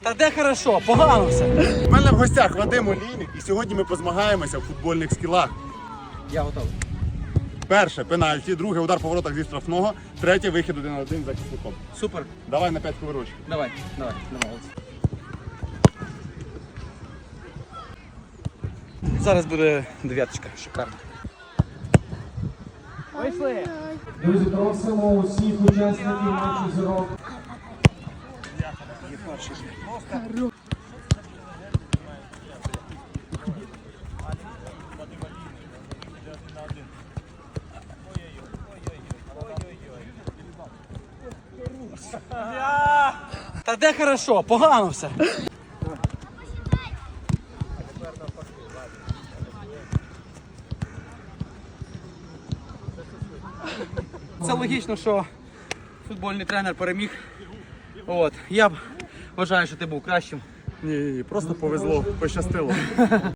Та де хорошо, погано все. У мене в гостях Вадим Олійник, і сьогодні ми позмагаємося в футбольних скілах. Я готовий. Перше пенальті, друге удар по воротах зі штрафного, третє вихід 1-1 за захисником. Супер. Давай на 5 хвилиночок. Давай. Зараз буде дев'яточка, шикарно. Вийшли. Друзі, просимо усіх учасників матчу «Зірок». Та де хорошо, погано все. Це логічно, що футбольний тренер переміг. От. Я б вважаю, що ти був кращим. Ні, просто повезло, пощастило.